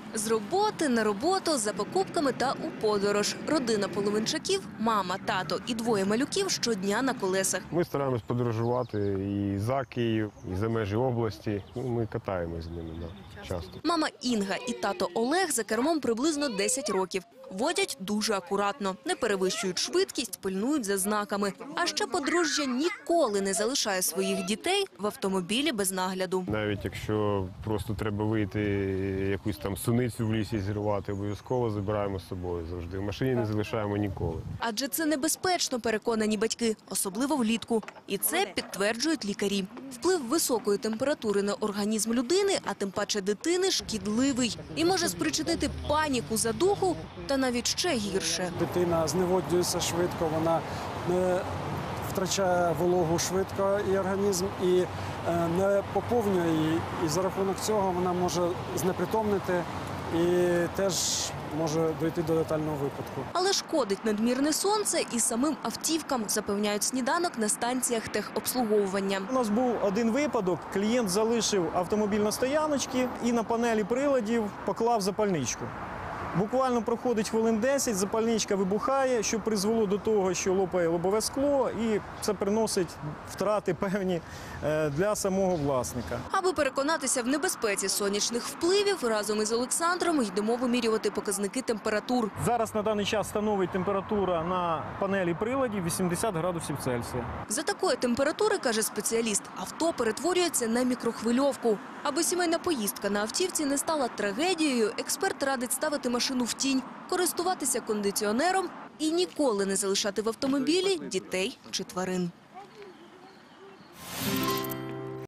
З роботи на роботу, за покупками та у подорож. Родина Половинчаків, мама, тато і двоє малюків щодня на колесах. Ми стараємось подорожувати і за Київ, і за межі області. Ми катаємось з ними часто. Мама Інга і тато Олег за кермом приблизно 10 років. Водять дуже акуратно, не перевищують швидкість, пильнують за знаками. А ще подружжя ніколи не залишає своїх дітей в автомобілі без нагляду. Навіть якщо просто треба вийти, якусь там суницю в лісі зірвати, обов'язково забираємо з собою завжди. В машині не залишаємо ніколи. Адже це небезпечно, переконані батьки, особливо влітку. І це підтверджують лікарі. Вплив високої температури на організм людини, а тим паче дитини, шкідливий. І може спричинити паніку, задуху та навіть ще гірше. Дитина зневоднюється швидко, вона не втрачає вологу швидко і організм, і не поповнює її. І за рахунок цього вона може знепритомнити і теж може дійти до летального випадку. Але шкодить надмірне сонце і самим автівкам, запевняють сніданок на станціях техобслуговування. У нас був один випадок. Клієнт залишив автомобіль на стояночці і на панелі приладів поклав запальничку. Буквально проходить хвилин 10, запальничка вибухає, що призвело до того, що лопає лобове скло, і це приносить втрати певні для самого власника. Аби переконатися в небезпеці сонячних впливів, разом із Олександром йдемо вимірювати показники температур. Зараз на даний час становить температура на панелі приладів 80 градусів Цельсія. За такої температури, каже спеціаліст, авто перетворюється на мікрохвильовку. Аби сімейна поїздка на автівці не стала трагедією, експерт радить ставити машину в тінь, користуватися кондиціонером і ніколи не залишати в автомобілі дітей чи тварин.